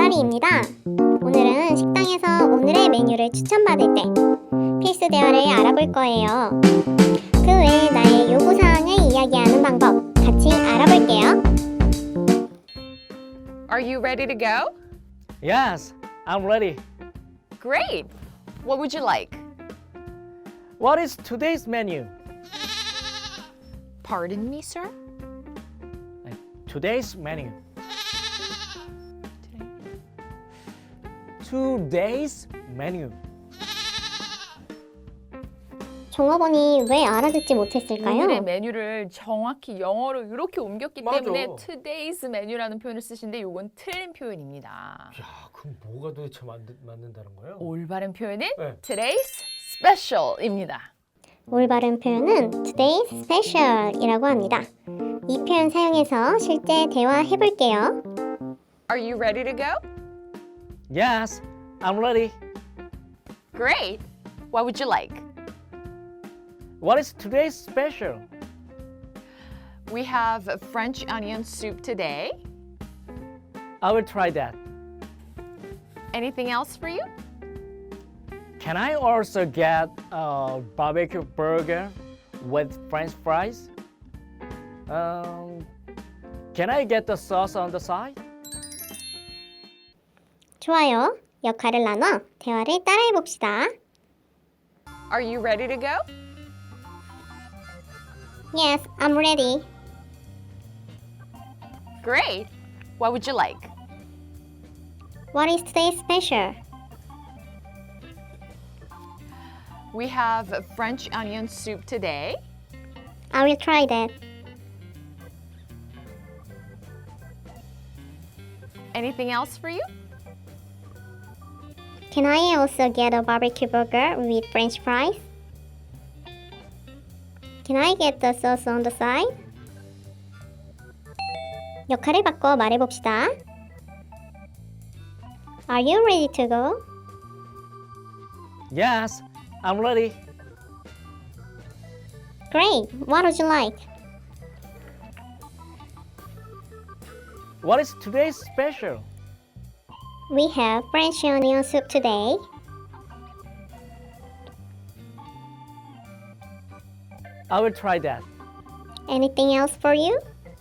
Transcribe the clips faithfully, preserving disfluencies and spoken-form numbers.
나라리입니다. 오늘은 식당에서 오늘의 메뉴를 추천받을 때 필수 대화를 알아볼 거예요. 그 외에 나의 요구사항을 이야기하는 방법 같이 알아볼게요. Are you ready to go? Yes, I'm ready. Great! What would you like? What is today's menu? Pardon me, sir? Today's menu. Today's menu. 종업원이 왜 알아듣지 못했을까요? 오늘의 메뉴를 정확히 영어로 이렇게 옮겼기 맞아. 때문에 today's menu라는 표현을 쓰신데 이건 틀린 표현입니다. 야, 그럼 뭐가 도대체 맞는, 맞는다는 거예요? 올바른 표현은 네. today's special입니다. 올바른 표현은 today's special이라고 합니다. 이 표현 사용해서 실제 대화해 볼게요. Are you ready to go? Yes, I'm ready. Great! What would you like? What is today's special? We have French onion soup today. I will try that. Anything else for you? Can I also get a barbecue burger with French fries? Um, can I get the sauce on the side? 좋아요. 역할을 나눠 대화를 따라해 봅시다. Are you ready to go? Yes, I'm ready. Great! What would you like? What is today's special? We have French onion soup today. I will try that. Anything else for you? Can I also get a barbecue burger with French fries? Can I get the sauce on the side? 역할을 바꿔 말해봅시다. Are you ready to go? Yes, I'm ready. Great. What would you like? What is today's special? We have French onion soup today. I will try that. Anything else for you?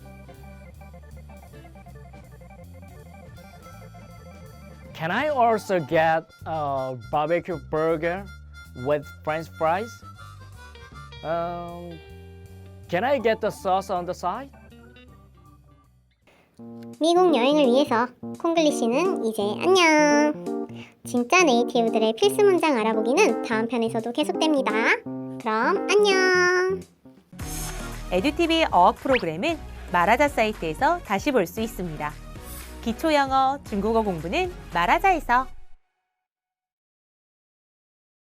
Can I also get a barbecue burger with French fries? Um, can I get the sauce on the side? 미국 여행을 위해서 콩글리시는 이제 안녕! 진짜 네이티브들의 필수 문장 알아보기는 다음 편에서도 계속됩니다. 그럼 안녕! 에듀티비 어학 프로그램은 말하자 사이트에서 다시 볼 수 있습니다. 기초 영어, 중국어 공부는 말하자에서